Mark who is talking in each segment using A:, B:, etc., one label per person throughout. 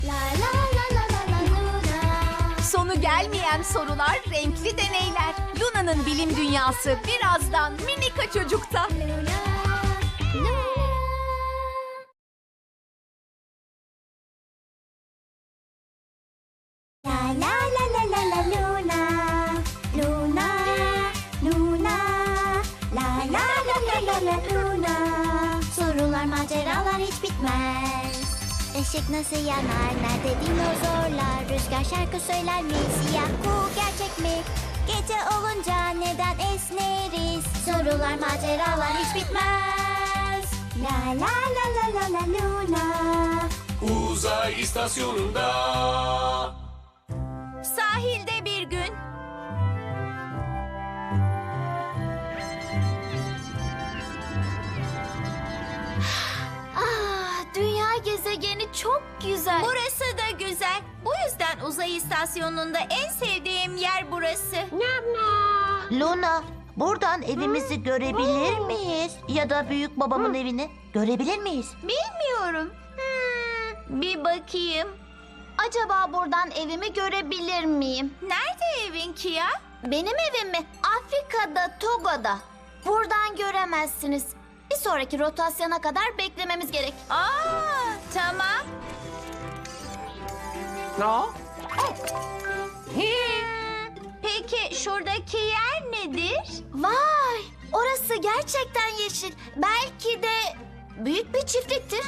A: La la la la la la Luna.
B: Sonu gelmeyen sorular, renkli deneyler. Luna'nın bilim dünyası birazdan Minika Çocuk'ta.
A: Luna, Luna. La la la la la la Luna. Luna, Luna. La la la la la la Luna. Sorular, maceralar hiç bitmez. Işık nasıl yanar, nerede dinozorlar? Rüzgar şarkı söyler mi? Siyah kuğu gerçek mi? Gece olunca neden esneriz? Sorular, maceralar hiç bitmez. La la la la la la Luna.
C: Uzay istasyonunda.
B: Sahilde bir gün.
A: Dünya gezegeni çok güzel.
B: Burası da güzel. Bu yüzden uzay istasyonunda en sevdiğim yer burası.
D: Luna, buradan evimizi görebilir miyiz? Ya da büyük babamın evini görebilir miyiz?
A: Bilmiyorum. Bir bakayım. Acaba buradan evimi görebilir miyim?
B: Nerede evin Kia?
A: Benim evim mi? Afrika'da, Togo'da. Buradan göremezsiniz. Bir sonraki rotasyona kadar beklememiz gerek.
B: Tamam. Peki şuradaki yer nedir?
A: Vay! Orası gerçekten yeşil. Belki de büyük bir çiftliktir.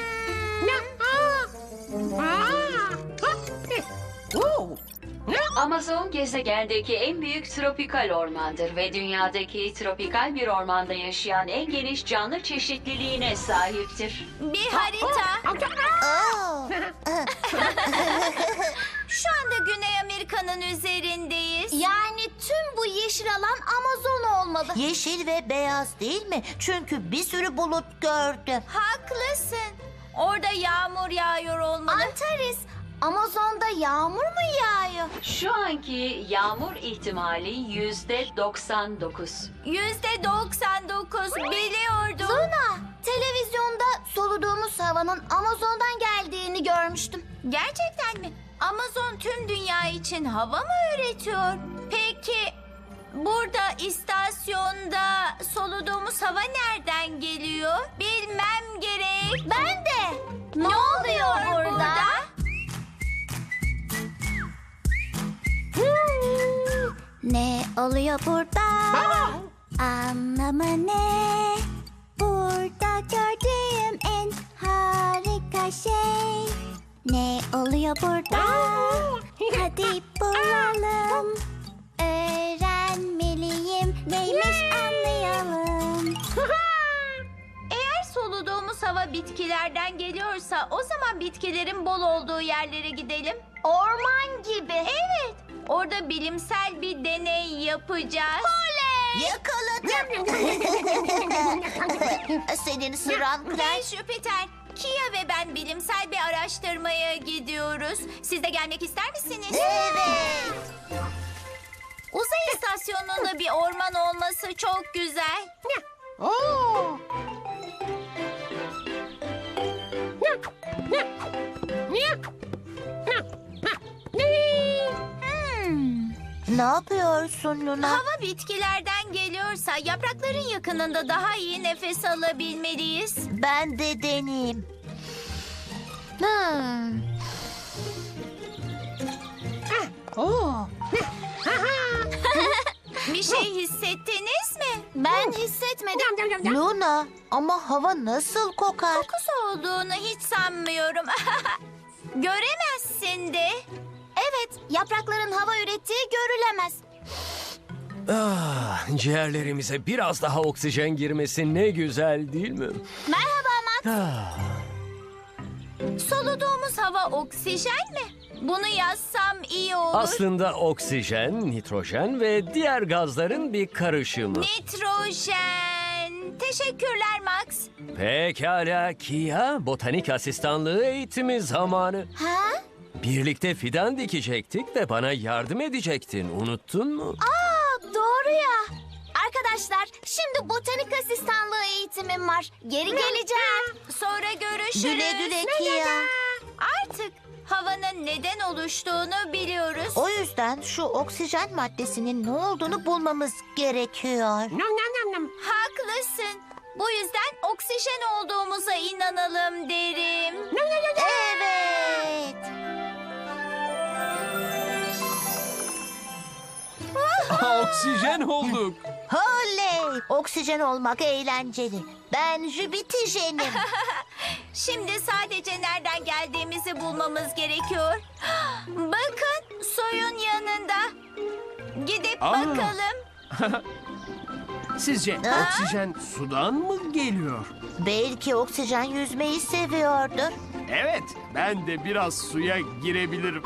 E: Amazon gezegendeki en büyük tropikal ormandır ve dünyadaki tropikal bir ormanda yaşayan en geniş canlı çeşitliliğine sahiptir.
B: Bir harita. Şu anda Güney Amerika'nın üzerindeyiz.
A: Yani tüm bu yeşil alan Amazon olmalı.
D: Yeşil ve beyaz değil mi? Çünkü bir sürü bulut gördüm.
B: Haklısın. Orada yağmur yağıyor olmalı.
A: Antares, Amazon'da yağmur mu yağıyor?
E: Şu anki yağmur ihtimali %99.
B: %99 biliyordum.
A: Luna, televizyonda soluduğumuz havanın Amazon'dan geldiğini görmüştüm.
B: Gerçekten mi? Amazon tüm dünya için hava mı üretiyor? Peki burada istasyonda soluduğumuz hava nereden geliyor? Bilmem gerek.
A: Ben de. Ne oluyor burada? Ne oluyor burada? Anlamı ne? Burada gördüğüm en harika şey. Ne oluyor burada? Hadi bulalım. Öğrenmeliyim. Neymiş anlayalım.
B: Eğer soluduğumuz hava bitkilerden geliyorsa o zaman bitkilerin bol olduğu yerlere gidelim.
A: Orman gibi.
B: Evet, orada bilimsel bir deney yapacağız.
D: Yakaladım. Senin sıran
B: Hey
D: Claire.
B: Jüpiter, Kia ve ben bilimsel bir araştırmaya gidiyoruz. Siz de gelmek ister misiniz?
D: Evet.
B: Uzay istasyonunda bir orman olması çok güzel.
D: Ne yapıyorsun Luna?
B: Hava bitkilerden geliyorsa yaprakların yakınında daha iyi nefes alabilmeliyiz.
D: Ben de deneyeyim.
B: Bir şey hissettiniz mi?
A: Ben hissetmedim.
D: Luna, ama hava nasıl kokar?
B: Kokusu olduğunu hiç sanmıyorum. Göremezsin de.
A: Evet, yaprakların hava ürettiği görülemez.
C: Ciğerlerimize biraz daha oksijen girmesi ne güzel değil mi?
A: Merhaba Max.
B: Soluduğumuz hava oksijen mi? Bunu yazsam iyi olur.
C: Aslında oksijen, nitrojen ve diğer gazların bir karışımı.
B: Nitrojen. Teşekkürler Max.
C: Pekala Kia, botanik asistanlığı eğitimi zamanı.
A: Ha?
C: Birlikte fidan dikecektik ve bana yardım edecektin. Unuttun mu?
A: Doğru ya. Arkadaşlar, şimdi botanik asistanlığı eğitimim var. Geri geleceğim.
B: Sonra görüşürüz.
D: Güle güle Kia.
B: Artık havanın neden oluştuğunu biliyoruz.
D: O yüzden şu oksijen maddesinin ne olduğunu bulmamız gerekiyor.
B: Haklısın. Bu yüzden oksijen olduğumuza inanalım derim.
D: Evet.
C: Oksijen olduk.
D: Oley! Oksijen olmak eğlenceli. Ben Jüpiter'im.
B: Şimdi sadece nereden geldiğimizi bulmamız gerekiyor. Bakın suyun yanında. Gidip
F: Aa.
B: bakalım.
F: Sizce oksijen sudan mı geliyor?
D: Belki oksijen yüzmeyi seviyordur.
F: Evet, ben de biraz suya girebilirim.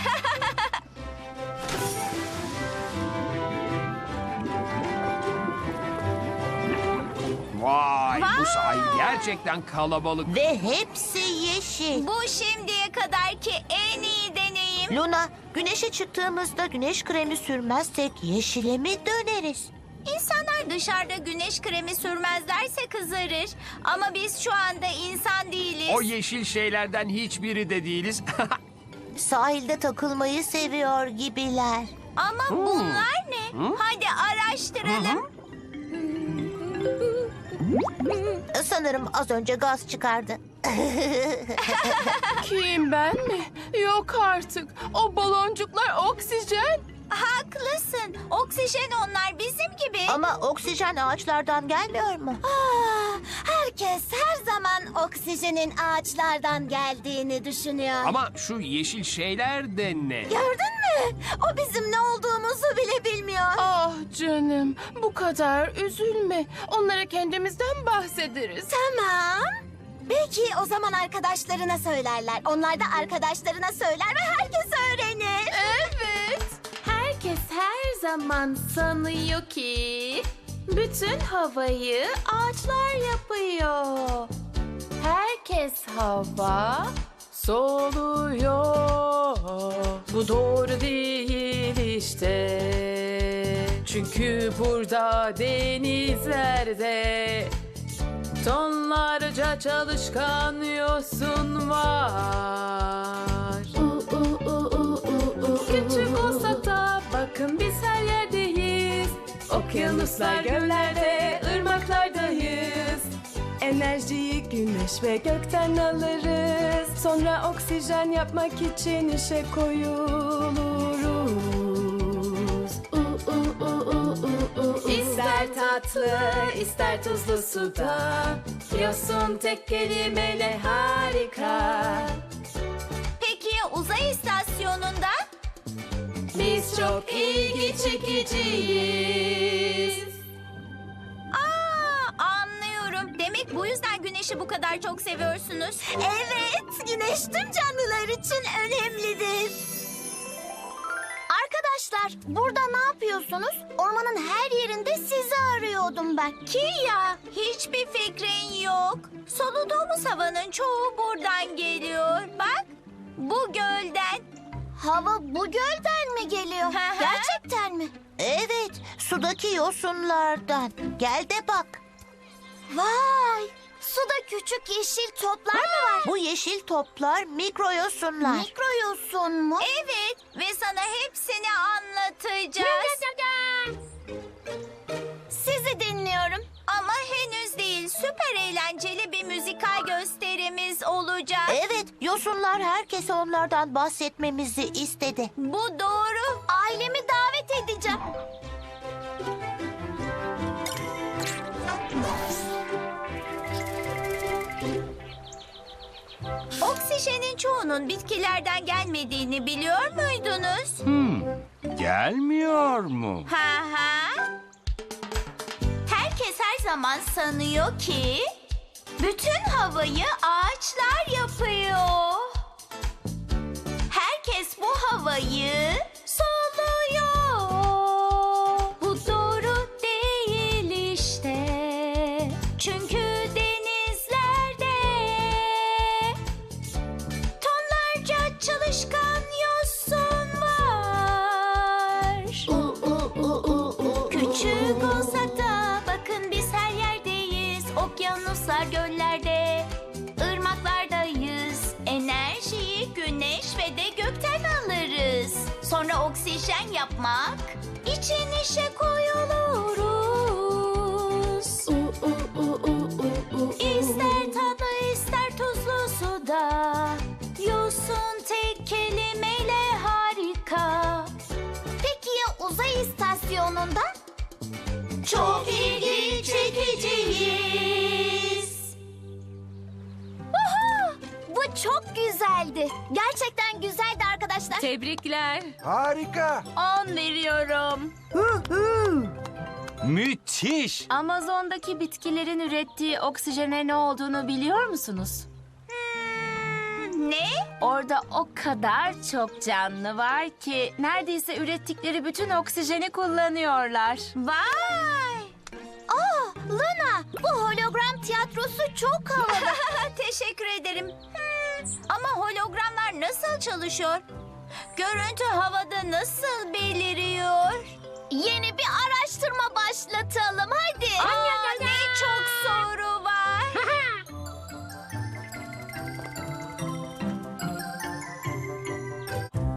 F: Vay, bu sahil gerçekten kalabalık.
D: Ve hepsi yeşil.
B: Bu şimdiye kadarki en iyi deneyim.
D: Luna, güneşe çıktığımızda güneş kremi sürmezsek yeşile mi döneriz?
B: İnsanlar dışarıda güneş kremi sürmezlerse kızarır. Ama biz şu anda insan değiliz.
F: O yeşil şeylerden hiçbiri de değiliz.
D: Sahilde takılmayı seviyor gibiler.
B: Ama bunlar ne? Hadi araştıralım.
D: Sanırım az önce gaz çıkardı.
G: Kim, ben mi? Yok artık. O baloncuklar oksijen.
B: Haklısın. Oksijen onlar bizim gibi.
D: Ama oksijen ağaçlardan gelmiyor mu?
A: Herkes her zaman oksijenin ağaçlardan geldiğini düşünüyor.
F: Ama şu yeşil şeyler de ne?
A: Gördün mü? O bizim ne olduğumuzu bile bilmiyor.
G: Ah canım, bu kadar üzülme. Onlara kendimizden bahsederiz.
A: Tamam. Belki o zaman arkadaşlarına söylerler. Onlar da arkadaşlarına söyler ve herkes öğrenir.
G: Evet. Herkes her zaman sanıyor ki bütün havayı ağaçlar yapıyor. Herkes hava soluyor. Bu doğru değil işte. Çünkü burada denizlerde tonlarca çalışkan yosun var. Küçük olsak da bakın biz her yerdeyiz. Okyanuslar, göllerde, ırmaklardayız. Enerjiyi güneş ve gökten alırız. Sonra oksijen yapmak için işe koyuluruz. İster tatlı, ister tuzlu suda. Yosun tek kelimeyle harika.
B: Peki uzay istasyonunda?
G: Biz çok ilgi çekiciyiz.
B: Anlıyorum. Demek bu yüzden güneşi bu kadar çok seviyorsunuz.
A: Evet, güneş tüm canlılar için önemlidir. Arkadaşlar, burada ne yapıyorsunuz? Ormanın her yerinde sizi arıyordum ben.
B: Ya hiçbir fikrin yok. Soluduğumuz havanın çoğu buradan geliyor. Bak bu gölden.
A: Hava bu gölden mi geliyor?
B: Hı hı.
A: Gerçekten mi?
D: Evet, sudaki yosunlardan. Gel de bak.
A: Vay! Suda küçük yeşil toplar mı var?
D: Bu yeşil toplar mikroyosunlar.
A: Mikroyosun mu?
B: Evet ve sana hepsini anlatacağız.
A: Sizi dinliyorum.
B: Ama henüz değil. Süper eğlenceli bir müzikal gösterimiz olacak.
D: Evet, yosunlar herkese onlardan bahsetmemizi istedi.
B: Bu doğru.
A: Ailemi davet edeceğim.
B: Oksijenin çoğunun bitkilerden gelmediğini biliyor muydunuz?
F: Gelmiyor mu?
B: Ha ha. Herkes her zaman sanıyor ki bütün havayı ağaçlar yapıyor. Herkes bu havayı soluyor. Bu doğru değil işte. Çünkü denizlerde tonlarca çalışkan yosun var. Küçük olsak da bakın biz her yerdeyiz. Okyanuslar, göllerde, ırmaklardayız. Enerjiyi güneş Yine de gökten alırız. Sonra oksijen yapmak için işe koyuluruz. İster tatlı ister tuzlu suda, yosun tek kelimeyle harika.
A: Peki ya uzay istasyonunda?
B: Çok ilgi çekiciyiz.
A: Bu çok güzeldi. Gerçekten güzeldi arkadaşlar.
B: Tebrikler.
H: Harika.
B: 10 veriyorum.
H: Müthiş.
B: Amazon'daki bitkilerin ürettiği oksijene ne olduğunu biliyor musunuz? Ne? Orada o kadar çok canlı var ki neredeyse ürettikleri bütün oksijeni kullanıyorlar. Vay!
A: Luna, bu hologram tiyatrosu çok havalı.
B: Teşekkür ederim. Ama hologramlar nasıl çalışıyor? Görüntü havada nasıl belirli?